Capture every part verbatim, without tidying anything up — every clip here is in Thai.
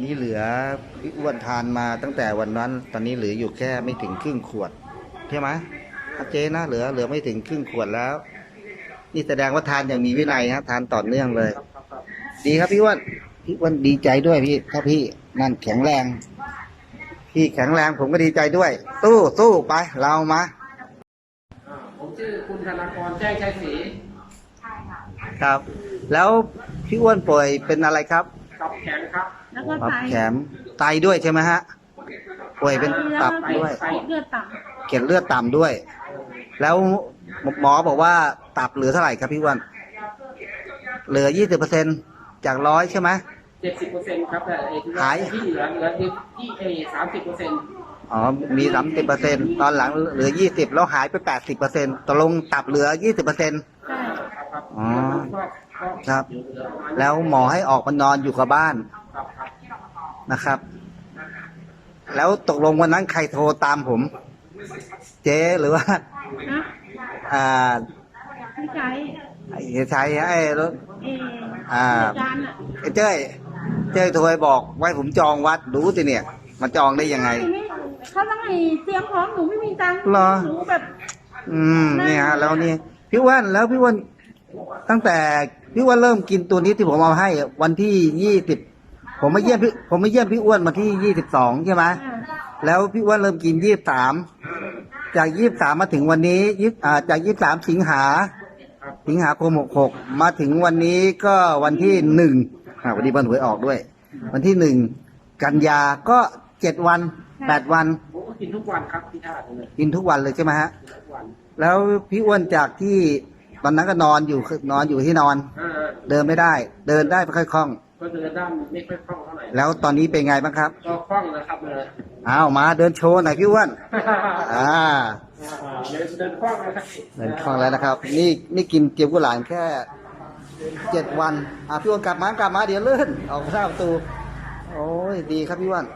นี้เหลือพี่อ้วนทานมาตั้งแต่วันนั้น ตอนนี้เหลืออยู่แค่ไม่ถึงครึ่งขวดใช่ไหมชัดเจนนะเหลือเหลือไม่ถึงครึ่งขวดแล้ว นี่แสดงว่าทานอย่างมีวินัยฮะทานต่อเนื่องเลย ดีครับพี่อ้วนพี่อ้วนดีใจด้วยพี่ถ้าพี่นั่นแข็งแรง พี่แข็งแรงผมก็ดีใจด้วยสู้สู้ไปเรามาผมชื่อคุณธนากรแจ้งชัยศรีครับ แล้วพี่อ้วนป่วยเป็นอะไรครับตับแข็งครับแล้วก็ตับไตแข็งไตด้วยใช่ไหมฮะป่วยเป็นตับด้วยเกล็ดเลือดต่เกล็ดเลือดต่ำด้วย แล้วหมอบอกว่าตับเหลือเท่าไหร่ครับพี่อ้วนเหลือยี่สิบเปอร์เซ็นต์จากร้อยใช่ไหมเจ็ดสิบเปอร์เซ็นต์ครับแต่หายที่เหลือเหลือที่เอสามสิบเปอร์เซ็นต์อ๋อมีสามสิบเปอร์เซ็นต์ตอนหลังเหลือยี่สิบแล้วหายไปแปดสิบเปอร์เซ็นต์ตกลงตับเหลือยี่สิบเปอร์เซ็นต์ใช่อ๋อครับ แล้วหมอให้ออกมานอนอยู่กับบ้านนะครับ แล้วตกลงวันนั้นใครโทรตามผม เจ๊หรือว่านะอ่าพี่ใจไอ้ชัยไอ้รถเอออ่าจานอ่ะไอ้เจ้ยเจ้ยโทรไปบอกไว้ผมจองวัดดูสิเนี่ยมาจองได้ยังไงเขาต้องให้เตรียมพร้อมหนูไม่มีตังค์หรอหนูแบบอืมเนี่ยฮะแล้วนี่พี่อ้วนแล้วพี่อ้วนตั้งแต่พี่อ้วนเริ่มกินตัวนี้ที่ผมเอาให้วันที่ยี่สิบผมมาเยี่ยมพี่ผมมาเยี่ยมพี่อ้วนมาที่ยี่สิบสองใช่ไหมแล้วพี่อ้วนเริ่มกินยี่สิบสามจากยี่สิบสามมาถึงวันนี้ยี่อ่าจากยี่สิบสามสิงหาสิงหาคมหกหกมาถึงวันนี้ก็วันที่หนึ่งอ่าวันนี้วันหวยออกด้วย วันที่หนึ่งกันยาก็เจ็ดวันแปดวันผมก็กินทุกวันครับพี่ท่าเลยกินทุกวันเลยใช่ไหมฮะทุกวันแล้วพี่อ้วนจากที่ตอนนั้นก็นอนอยู่นอนอยู่ที่นอนเดินไม่ได้ เดินได้ไม่ค่อยคล่องก็เดินได้ไม่ค่อยคล่องเท่าไหร่แล้วตอนนี้เป็นไงบ้างครับก็คล่องนะครับเลยอ้าวมาเดินโชว์หน่อยพี่อ้วนอ่าเดินเดินคล่องเลยครับเดินคล่องแล้วนะครับ นี่นี่กินเกี๊ยวกุหลาบแค่เจ็ดวันอ่ะพี่อ้วนกลับมากลับมาเดี๋ยวเลื่อนออกหน้าประตูโอ้ยดีครับพี่อ้วน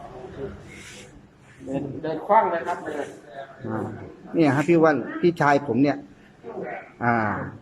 เดินเดินคล่องเลยครับเลยอ่าเนี่ยครับพี่อ้วนพี่ชายผมเนี่ยอ่า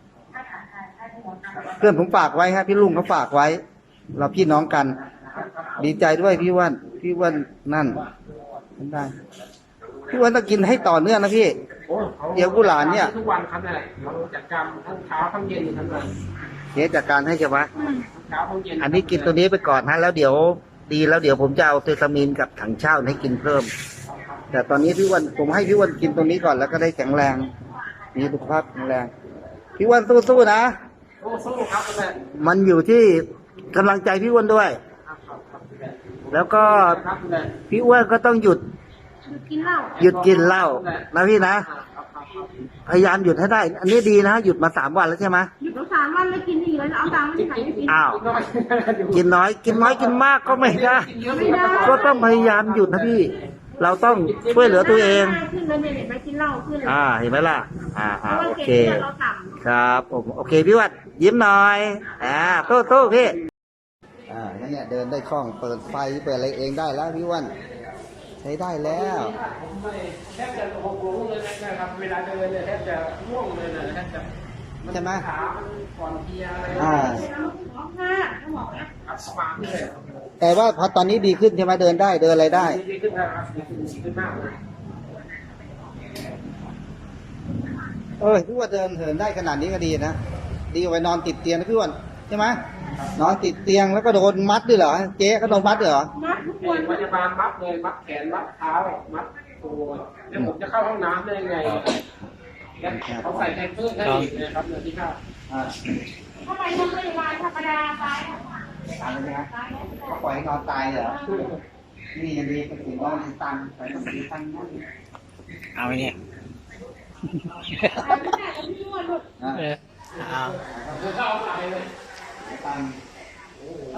เพื่อนผมฝากไว้ฮะพี่ลุงเขาฝากไว้ เราพี่น้องกัน ดีใจด้วยพี่อ้วนพี่อ้วนนั่นได้พี่อ้วนต้องกินให้ต่อเนื่องนะพี่เดี๋ยวกุหลาบเนี่ยทุกวันครับเนี่ยเราจัดการทั้งเช้าทั้งเย็นทั้งวันเดี๋ยวจัดการให้ใช่ไหมเช้าทั้งเย็นอันนี้กินตัวนี้ไปก่อนฮะแล้วเดี๋ยวดีแล้วเดี๋ยวผมจะเอาเซซามินกับถังเช่าให้กินเพิ่มแต่ตอนนี้พี่อ้วนผมให้พี่อ้วนกินตัวนี้ก่อนแล้วก็ได้แข็งแรงมีสุขภาพแข็งแรงพี่อ้วนสู้ๆนะสู้ๆครับแม่มันอยู่ที่กำลังใจพี่อ้วนด้วย แล้วก็พี่อ้วนก็ต้องหยุดหยุดกินเหล้าหยุดกินเหล้านะพี่นะพยายามหยุดให้ได้ อันนี้ดีนะหยุดมาสามวันแล้วใช่ไหมหยุดมาสามวันแล้วกินอีกแล้วเอาตังค์ที่ไหนไปกินอ้าวกินน้อยกินน้อยกินมากก็ไม่ได้ก็ต้องพยายามหยุดนะพี่เราต้องช่วยเหลือตัวเองขึ้นเลยไม่ไปกินเหล้าขึ้นเลยอ่าเห็นไหมล่ะอ่าอ่าโอเคเราต่ำครับผมโอเคพี่วัดยิ้มหน่อยอ่าโต้โต้พี่อ่าเนี่ยเดินได้คล่องเปิดไฟเปิดอะไรเองได้แล้วพี่วันใช้ได้แล้วแทบจะหกโมงเลยนะครับเวลาเดินเนี่ยแทบจะง่วงเลยนะแทบจะใช่ไหมขาก่อนเพียอะไรอ่าสว่างเลยแต่ว่าพอตอนนี้ดีขึ้นใช่ไหมเดินได้เดินอะไรได้ดีขึ้นนะครับดีขึ้นดีขึ้นมากเลยเออพี่ว่าเดินเหินได้ขนาดนี้ก็ดีนะดีกว่าไปนอนติดเตียงนะพี่วันใช่ไหมนอนติดเตียงแล้วก็โดนมัดด้วยเหรอเจ๊ก็โดนมัดเหรอมัดทุกวันพยาบาลมัดเลยมัดแขนมัดเท้ามัดตัวแล้วผมจะเข้าห้องน้ำได้ยังไงเขาใส่แทนเพื่อนให้อีกนะครับเนื้อที่ข้าวทำไมโรงพยาบาลธรรมดาตายตายเลยนะปล่อยให้นอนตายเหรอนี่ยังดีเป็นสิ่งว่ามันตันไปต้องมีตันนั่นเอาไว้เนี่ยเอาเข้าตายเลยตัน